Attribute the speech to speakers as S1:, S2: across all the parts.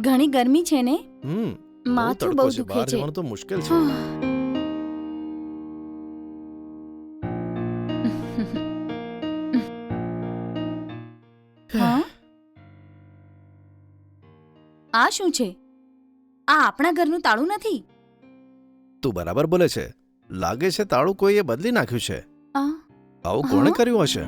S1: ઘણી ગરમી છે ને,
S2: બહુ
S1: માથું
S2: તડકો
S1: બહુ
S2: છે,
S1: દુખે
S2: બહાર
S1: છે.
S2: જવાનું તો મુશ્કેલ છે.
S1: હા, આ શું છે? આ આપણા ઘરનું તાળું નથી.
S2: તું બરાબર બોલે છે. લાગે છે તાળું કોઈએ બદલી નાખ્યું છે.
S1: આ
S2: આવું કોણે
S1: હા?
S2: કર્યું હશે?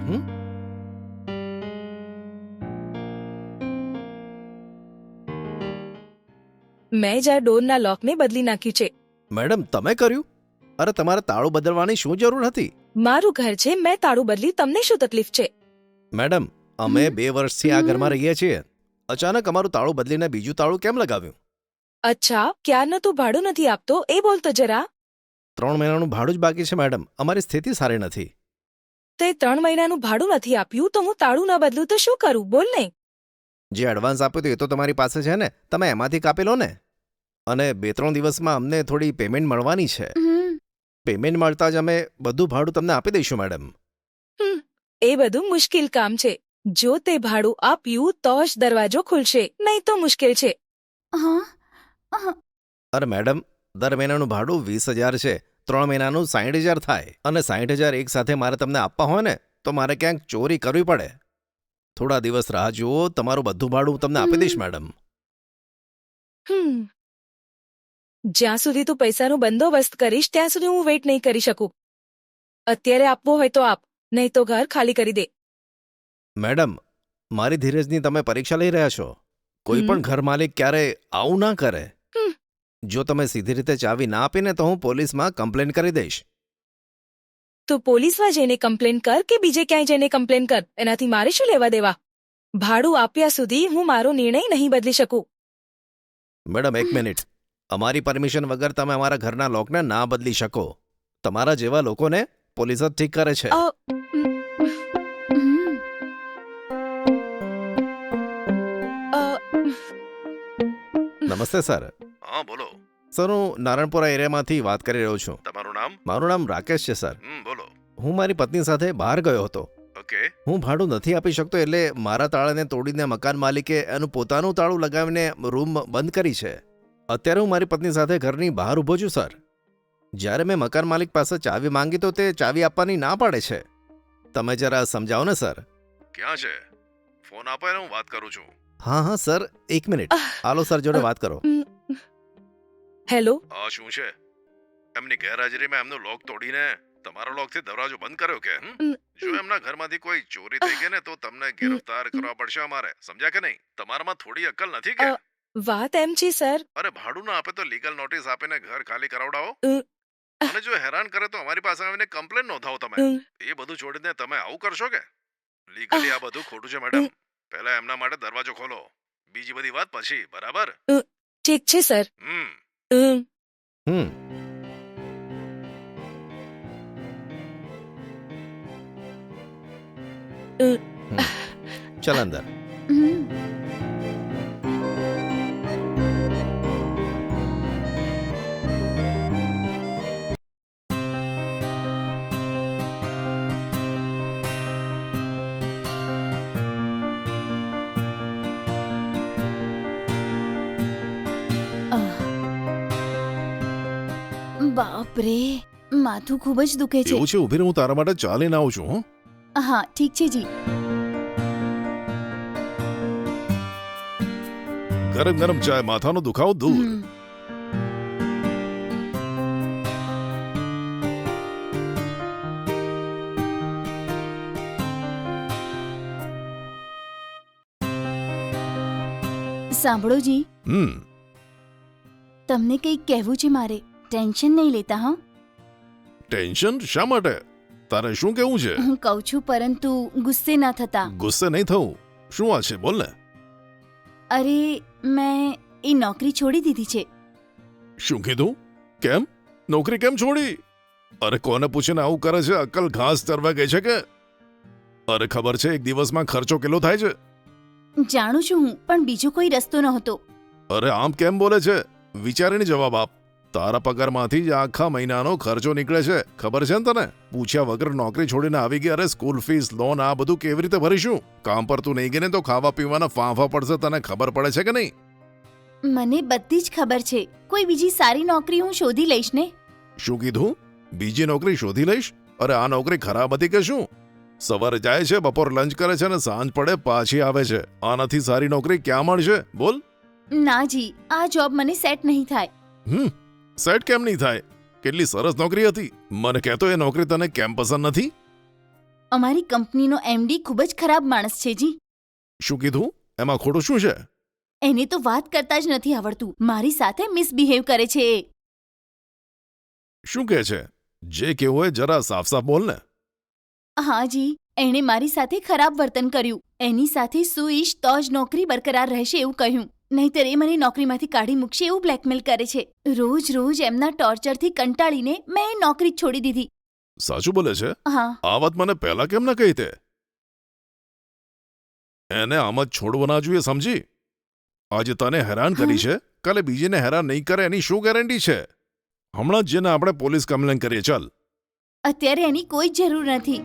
S3: મેં જ આ ડોરના લોકને બદલી નાખ્યું છે.
S2: મેડમ, તમે કર્યું? અરે, તમારે તાળું બદલવાની શું જરૂર હતી?
S3: મારું ઘર છે, મેં તાળું બદલ્યું, તમને શું તકલીફ છે?
S2: મેડમ, અમે
S1: હમ?
S2: 2 વર્ષથી આ ઘરમાં
S1: હમ?
S2: રહીએ છીએ. અચાનક અમારું તાળું બદલીને બીજું તાળું કેમ લગાવ્યું?
S3: અચ્છા, ક્યારનો તું ભાડું નથી આપતો એ બોલ તો જરા.
S2: 3 મહિનાનું ભાડું જ બાકી છે મેડમ. અમારી સ્થિતિ સારી નથી.
S3: તે 3 મહિનાનું ભાડું નથી આપ્યું તો હું તાળું ન બદલું તો શું કરું, બોલ ને.
S2: જે એડવાન્સ આપ્યું હતું એ તો તમારી પાસે છે ને, તમે એમાંથી કાપી લો ને. અને 2-3 દિવસમાં અમને થોડી પેમેન્ટ મળવાની છે.
S1: હમ.
S2: પેમેન્ટ મળતા જ અમે બધું ભાડું તમને આપી દઈશું મેડમ.
S3: એ બધું મુશ્કેલ કામ છે. જો તે ભાડું આપ્યું તો જ દરવાજો ખુલશે, નહીં તો મુશ્કેલ છે.
S1: હા, હા.
S2: અરે મેડમ, દર મહિનાનું ભાડું 20,000 છે. 3 મહિનાનું 60,000 થાય. અને 60,000 એક સાથે મારે તમને આપવા હોય ને તો મારે ક્યાંક ચોરી કરવી પડે. થોડા દિવસ રાહ જુઓ, તમારું બધું ભાડું હું તમને આપી દઈશ મેડમ.
S3: હમ જ્યાં સુધી તું પૈસાનો બંદોબસ્ત કરીશ ત્યાં સુધી હું વેઇટ નહીં કરી શકું. અત્યારે આપવું હોય તો આપ, નહીં તો ઘર ખાલી કરી દે.
S2: મેડમ, મારી ધીરજની તમે પરીક્ષા લઈ રહ્યા છો. કોઈ
S3: હમ.
S2: પણ ઘર માલિક ક્યારે આવું ના કરે.
S3: હમ.
S2: જો તમે સીધી રીતે ચાવી ના આપીને તો હું પોલીસમાં કમ્પ્લેન કરી દઈશ.
S3: તું પોલીસમાં જઈને કમ્પ્લેન કર કે બીજે ક્યાંય જઈને કમ્પ્લેન કર, એનાથી મારે શું લેવા દેવા. ભાડું આપ્યા સુધી હું મારો નિર્ણય નહીં બદલી શકું.
S2: Madam, 1 minute. અમારી પરમિશન વગર તમે અમારા ઘરના લોકને ના બદલી શકો. તમારા જેવા લોકોને પોલીસ જ ઠીક કરે છે.
S3: અ,
S1: હમ.
S3: અ,
S2: નમસ્તે સર. હા, બોલો. સર, હું નારણપુરા એરિયામાંથી વાત કરી રહ્યો છું. તમારું નામ? મારું નામ રાકેશ છે સર. બોલો. હું મારી પત્ની સાથે બહાર ગયો હતો. ઓકે. હું ભાડું નથી આપી શકતો એટલે મારા તાળાને તોડીને મકાન માલિકે એનું પોતાનું તાળું લગાવીને રૂમ બંધ કરી છે. અત્યારે હું મારી પત્ની સાથે ઘરની બહાર ઊભો છું સર. જ્યારે મેં મકાન માલિક પાસે ચાવી માંગી તો તે ચાવી આપવાની ના પાડે છે. તમે જરા સમજાવો ને સર. ક્યાં છે? ફોન આપો એને હું વાત કરું છું. હા હા સર, 1 મિનિટ. હાલો સર જોડે વાત કરો.
S3: હેલો.
S2: આ શું છે? એમની ગેરહાજરીમાં એમનો લોક તોડીને તમારા લોકથી દરવાજો બંધ કર્યો કે? જો એમના ઘરમાંથી કોઈ ચોરી થઈ ગઈ ને તો તમને ગિરફ્તાર કરવા પડશે અમારે. સમજ્યા કે નહીં? તમારામાં થોડી અક્કલ નથી કે?
S3: વાત એમ છે સર.
S2: અરે, ભાડું ના આપે તો લીગલ નોટિસ આપીને ઘર ખાલી કરાવડાવો.
S3: અ,
S2: અને જો હેરાન કરે તો અમારી પાસે આવીને કમ્પ્લેન નોંધાવો તમે.
S3: અ,
S2: એ બધું છોડીને તમે આવું કરશો કે? લીગલી આ બધું ખોટું છે મેડમ. પહેલા એમના માટે દરવાજો ખોલો. બીજી બધી વાત પછી, બરાબર?
S3: ઠીક છે સર.
S2: હમ.
S3: હમ.
S2: હમ.
S3: અ,
S2: ચાલ અંદર.
S1: હમ. બાપ રે, માથું ખૂબ જ દુખે છે.
S2: એવું છે, ઉભી રહે, હું તારા માટે ચા લઈને આવું છું.
S1: હા, ઠીક છે જી.
S2: ગરમ ગરમ ચાય, માથાનો દુખાવો દૂર.
S1: હમ. સાંભળો જી, તમને કંઈક કહેવું છે મારે. ટેન્શન નહીં લેતા હા.
S2: ટેન્શન શા માટે? તારે શું કેવું છે?
S1: હું કહું છું પરંતુ ગુસ્સે ના થતા.
S2: ગુસ્સે નહીં થવું. શું વાત છે, બોલ ને.
S1: અરે, મેં એ નોકરી છોડી દીધી છે.
S2: શું કીધું? કેમ? નોકરી કેમ છોડી? અરે, કોને પૂછીને આવું કરે છે? અક્કલ ઘાસ ચરવા ગઈ છે કે? અરે, ખબર છે એક દિવસમાં ખર્ચો કેટલો થાય છે?
S1: જાણું છું હું, પણ બીજો કોઈ રસ્તો નહોતો.
S2: અરે, આમ કેમ બોલે છે? વિચારીને જવાબ આપ. તારા પગારમાંથી જ આખા મહિનાનો ખર્ચો નીકળે છે, ખબર છે ને તને? પૂછ્યા વગર નોકરી છોડીને આવી ગઈ. અરે, સ્કૂલ ફીસ, લોન, આ બધું કેવી રીતે ભરીશું? કામ પર તું નહીં ગઈ ને તો ખાવા પીવાના ફાંફા પડશે, તને ખબર પડે છે કે નહીં?
S1: મને બધી જ ખબર છે. કોઈ બીજી સારી નોકરી હું શોધી લઈશ ને.
S4: શું કીધું? બીજી નોકરી શોધી લઈશ? અરે આ નોકરી ખરાબ હતી કે શું? સવારે જાય છે, બપોર લંચ કરે છે ને સાંજ પડે પાછી આવે છે. આનાથી સારી નોકરી ક્યાં મળશે? બોલ.
S1: ના જી, આ જોબ મને સેટ નહીં થાય.
S4: સેટ કેમ નહીં થાય? કેટલી સરસ નોકરી હતી. મને કહેતો એ નોકરી તને કેમ પસંદ નથી?
S1: અમારી કંપનીનો એમડી ખૂબ જ ખરાબ માણસ છે જી.
S4: શું કીધું? એમાં ખોટું શું છે?
S1: એને તો વાત કરતા જ નથી આવડતું. મારી સાથે મિસબિહેવ કરે છે એ.
S4: શું કહે છે? જે કેવું હોય જરા સાફ સાફ બોલ ને.
S1: હા જી, એણે મારી સાથે ખરાબ વર્તન કર્યું. એની સાથે સુઈશ તો જ નોકરી બરકરાર રહેશે એવું કહ્યું. નહીંતર એ મને નોકરીમાંથી કાઢી મૂકશે એવું બ્લેકમેલ કરે છે. રોજ રોજ એમના ટોર્ચરથી કંટાળીને મેં એ નોકરી જ છોડી દીધી.
S4: સાચું બોલે છે?
S1: હા.
S4: આ વાત મને પહેલા કેમ ન કહી તે? એને આમ જ છોડવો ના જોઈએ, સમજી? આજે તને હેરાન કરી છે, કાલે બીજીને હેરાન નહીં કરે એની શું ગેરંટી છે? હમણાં જ જેને આપણે પોલીસ કમ્પ્લેન કરીએ. ચાલ.
S1: અત્યારે એની કોઈ જ જરૂર નથી.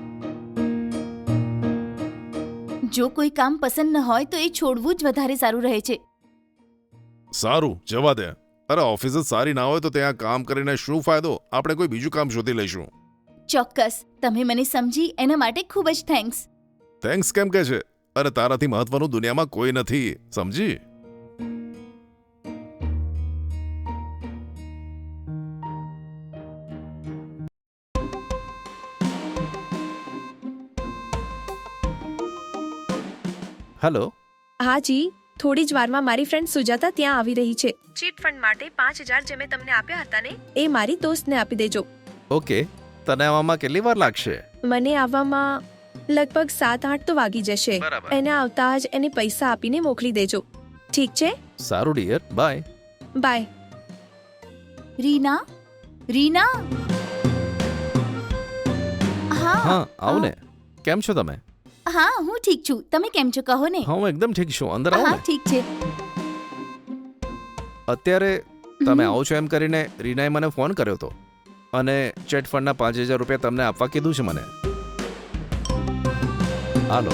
S1: જો કોઈ કામ પસંદ ન હોય તો એ છોડવું જ વધારે સારું રહે છે.
S4: સારું, જવા દે. અરે ઓફિસ જ સારી ના હોય તો ત્યાં કામ કરીને શું ફાયદો? આપણે કોઈ બીજું કામ શોધી લઈશું.
S1: ચોક્કસ. તમે મને સમજી એના માટે ખૂબ જ થેન્ક્સ.
S4: થેન્ક્સ કેમ કે છે? અરે તારાથી મહત્વનું દુનિયામાં કોઈ નથી, સમજી?
S2: હેલો.
S3: હા જી, થોડી જ વારમાં મારી ફ્રેન્ડ સુજાતા ત્યાં આવી રહી છે. ચીટ ફંડ માટે 5,000 જે મેં તમને આપ્યા હતા ને, એ મારી દોસ્તને આપી દેજો.
S2: ઓકે. તને આવવામાં કેટલી વાર લાગશે?
S3: મને આવવામાં લગભગ 7-8 તો વાગી જશે.
S2: બરાબર.
S3: એને આવતા જ એને પૈસા આપીને મોકલી દેજો. ઠીક છે?
S2: સારું dear, bye.
S3: Bye.
S1: Reena, Reena.
S2: હા,
S1: હા
S2: આવો ને. કેમ છો તમે?
S1: હા, હું ઠીક છું. તમે કેમ છો કહો ને.
S2: હા, હું એકદમ ઠીક છું. અંદર આવો
S1: હા,
S2: ને.
S1: ઠીક છે.
S2: અત્યારે તમે આવો છો એમ કરીને રીનાએ મને ફોન કર્યો હતો અને ચેટ ફંડના 5,000 રૂપિયા તમને આપવા કીધું છે મને. હાલો.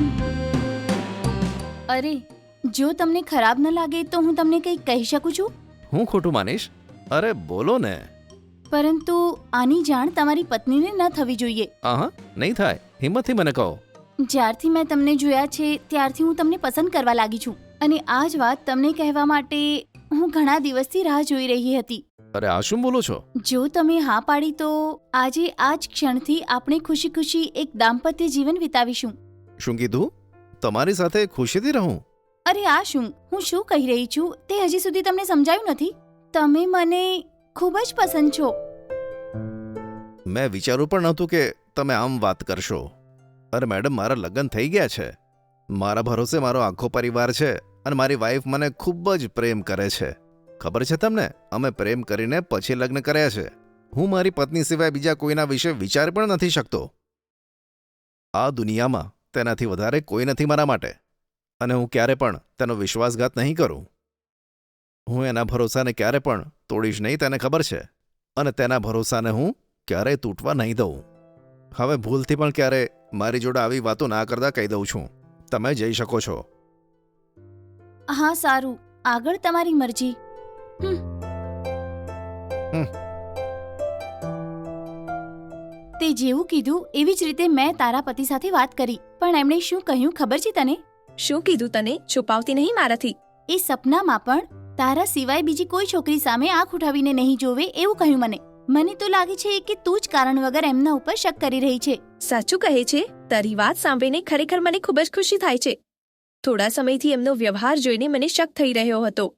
S1: અરે, જો તમને ખરાબ ન લાગે તો હું તમને કંઈક કહી શકું છું.
S2: હું ખોટું માનીશ? અરે બોલો ને.
S1: પરંતુ આની જાણ તમારી પત્નીને ન થવી જોઈએ.
S2: હા, નહીં થાય. હિંમતથી મને કહો.
S1: જ્યારથી મેં તમને જોયા છે ત્યારથી હું તમને પસંદ કરવા લાગી છું અને આ જ વાત તમને કહેવા માટે હું ઘણા દિવસથી રાહ જોઈ રહી હતી.
S2: અરે આ શું બોલો છો?
S1: જો તમે હા પાડી તો આજે આ જ ક્ષણથી આપણે ખુશી ખુશી એક દાંપત્ય જીવન વિતાવીશું.
S2: શું કીધું? તમારી સાથે ખુશીથી રહું?
S1: અરે આ શું, હું શું કહી રહી છું તે હજી સુધી તમને સમજાયું નથી? તમે મને ખૂબ જ પસંદ છો.
S2: મેં વિચાર્યું પણ નહોતું કે તમે આમ વાત કરશો. અરે મેડમ, મારા લગ્ન થઈ ગયા છે. મારા ભરોસે મારો આખો પરિવાર છે અને મારી વાઈફ મને ખૂબ જ પ્રેમ કરે છે. ખબર છે તમને, અમે પ્રેમ કરીને પછી લગ્ન કર્યા છે. હું મારી પત્ની સિવાય બીજા કોઈના વિશે વિચાર પણ નથી શકતો. આ દુનિયામાં તેનાથી વધારે કોઈ નથી મારા માટે અને હું ક્યારે પણ તેનો વિશ્વાસઘાત નહીં કરું. હું એના ભરોસાને ક્યારે પણ તોડીશ નહીં, તેને ખબર છે. અને તેના ભરોસાને હું ક્યારેય તૂટવા નહીં દઉં. હવે ભૂલથી પણ ક્યારે મારી જોડે આવી વાતો ના કરતા કહી દઉં છું. તમે જઈ શકો છો.
S1: હા સારું, આગળ તમારી મરજી. તે જેવું કીધું એવી જ રીતે મેં તારા પતિ સાથે વાત કરી, પણ એમણે શું કહ્યું ખબર છે તને?
S3: શું કીધું તને? છુપાવતી નહીં મારાથી.
S1: એ સપનામાં પણ તારા સિવાય બીજી કોઈ છોકરી સામે આંખ ઉઠાવીને નહીં જોવે એવું કહ્યું મને. મને તો લાગે છે કે તું જ કારણ વગર એમના ઉપર શક કરી રહી છે.
S3: સાચું કહે છે? તારી વાત સાંભળીને ખરેખર મને ખૂબ જ ખુશી થાય છે. થોડા સમયથી એમનો વ્યવહાર જોઈને મને શક થઈ રહ્યો હતો.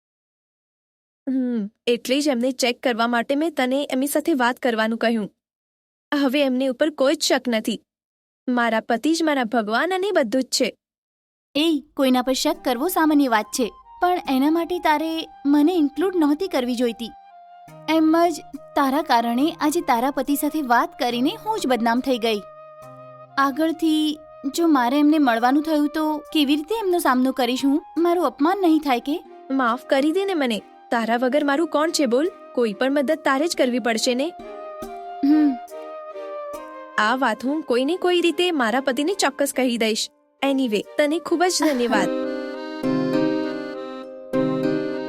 S3: એટલે જ એમને ચેક કરવા માટે મેં તને એમની સાથે વાત કરવાનું કહ્યું. હવે એમની ઉપર કોઈ જ શક નથી. મારા પતિ જ મારા ભગવાન અને બધું જ છે.
S1: એ કોઈના પર શક કરવો સામાન્ય વાત છે, પણ એના માટે તારે મને ઇન્ક્લુડ નહોતી કરવી જોઈતી. એમ જ તારા કારણે આજે તારા પતિ સાથે વાત કરીને હું જ બદનામ થઈ ગઈ. આગળથી જો મારે એમને મળવાનું થયું તો કેવી રીતે એમનો સામનો કરીશ હું? મારું અપમાન નહીં થાય કે?
S3: માફ કરી દે ને મને. તારા વગર મારું કોણ છે બોલ? કોઈ પણ મદદ તારે જ કરવી પડશે ને. આ વાત હું કોઈને કોઈ રીતે મારા પતિને ચોક્કસ કહી દઈશ. એનીવે, તને ખૂબ જ ધન્યવાદ.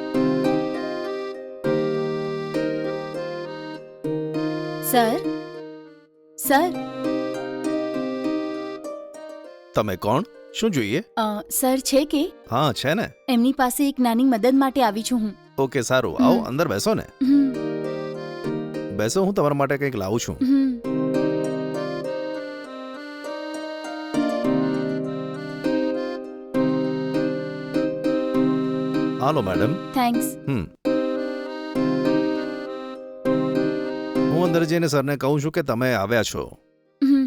S1: સર સર
S2: તમે કોણ? શું જોઈએ?
S1: સર છે કે
S2: હા છે ને.
S1: એમની પાસે એક નાની મદદ માટે આવી છું હું.
S2: ઓકે સારું, આવો અંદર બેસો ને.
S1: હમ,
S2: બેસો, હું તમારા માટે કંઈક લાવું છું.
S1: હમ.
S2: Hello madam.
S1: થેન્ક્સ.
S2: હું અંદર જઈને સરને કહું છું કે તમે આવ્યા છો.
S1: હમ.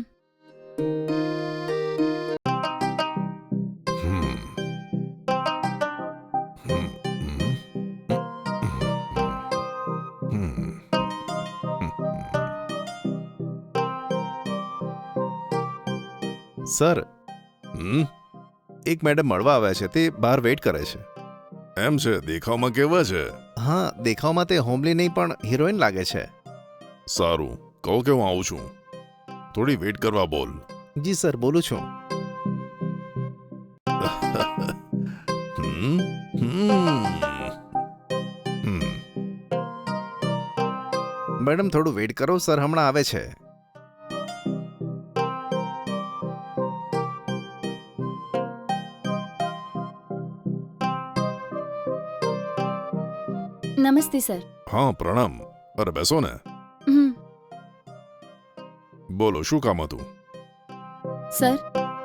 S2: સર, એક મેડમ મળવા આવ્યા છે, તે બહાર વેઇટ કરે છે.
S4: એમ છે? દેખાવમાં કેવા છે?
S2: હા, દેખાવમાં તે હોમલી નહીં પણ હિરોઈન લાગે છે.
S4: સારું, કહો કે હું આવું છું. થોડી વેઇટ કરવા બોલ.
S2: જી સર, બોલું છું.
S4: હમ, હમ, હમ.
S2: મેડમ થોડું વેઇટ કરો, સર હમણાં આવે છે.
S1: નમસ્તે સર.
S4: હા, પ્રણામ. અરે બેસો ને.
S1: હમ.
S4: બોલો, શું કામ હતું?
S1: સર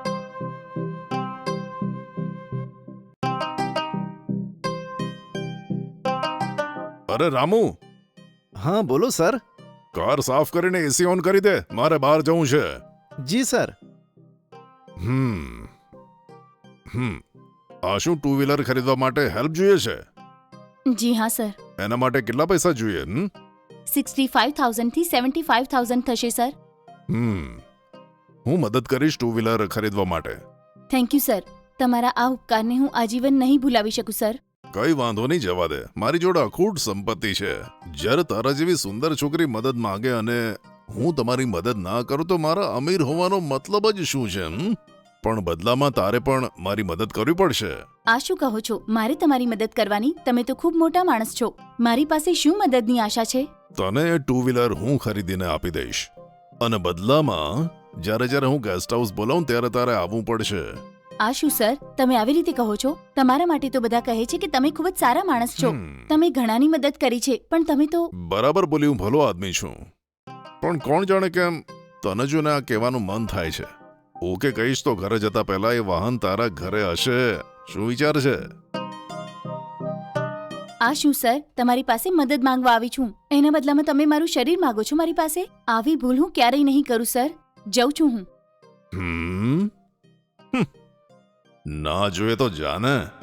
S4: અરે રામુ,
S2: હા બોલો સર.
S4: કાર સાફ કરીને એસી ઓન કરી દે, મારે બહાર જવું છે.
S2: જી સર.
S4: હમ હમ આ શું ટુ વ્હીલર ખરીદવા માટે હેલ્પ જોઈએ છે?
S1: જી હા સર.
S4: એના માટે કેટલા પૈસા જોઈએ?
S1: 65,000 થી 75,000 થશે સર.
S4: હું મદદ કરીશ ટુ વ્હીલર ખરીદવા માટે.
S1: Thank you sir. તમારા આ ઉપકારને હું આજીવન નહીં ભૂલાવી શકું સર.
S4: કઈ વાંધો નહીં, જવા દે. મારી જોડે અખૂટ સંપત્તિ છે. જ્યારે તારા જેવી સુંદર છોકરી મદદ માંગે અને હું તમારી મદદ ના કરું તો મારા અમીર હોવાનો મતલબ જ શું છે? પણ બદલામાં તારે પણ મારી મદદ કરવી પડશે.
S1: આ શું કહો છો? મારે તમારી મદદ કરવાની? તમે તો ખૂબ મોટા માણસ છો. મારી પાસે શું મદદની આશા છે?
S4: તને ટુ વ્હીલર હું ખરીદીને આપી દઈશ અને બદલામાં જ્યારે હું ગેસ્ટ હાઉસ બોલાવું ત્યારે તારે આવવું પડશે.
S1: આ શું સર, તમે આવી રીતે કહો છો? તમારા માટે તો બધા કહે છે કે તમે ખૂબ જ સારા માણસ છો. તમે ઘણાની મદદ કરી છે, પણ તમે તો...
S4: બરાબર બોલી, હું ભલો આદમી છું. પણ કોણ જાણે કેમ તને જોને આ કહેવાનું મન થાય છે. ઓકે કહીશ તો ઘરે જતા પહેલા એ વાહન તારા ઘરે હશે. શું વિચાર છે?
S1: આ શું સર, તમારી પાસે મદદ માંગવા આવી છું, એના બદલામાં તમે મારું શરીર માંગો છો મારી પાસે? આવી ભૂલ હું ક્યારેય નહીં કરું સર. જઉં છું હું.
S4: ના જોઈએ તો જાને.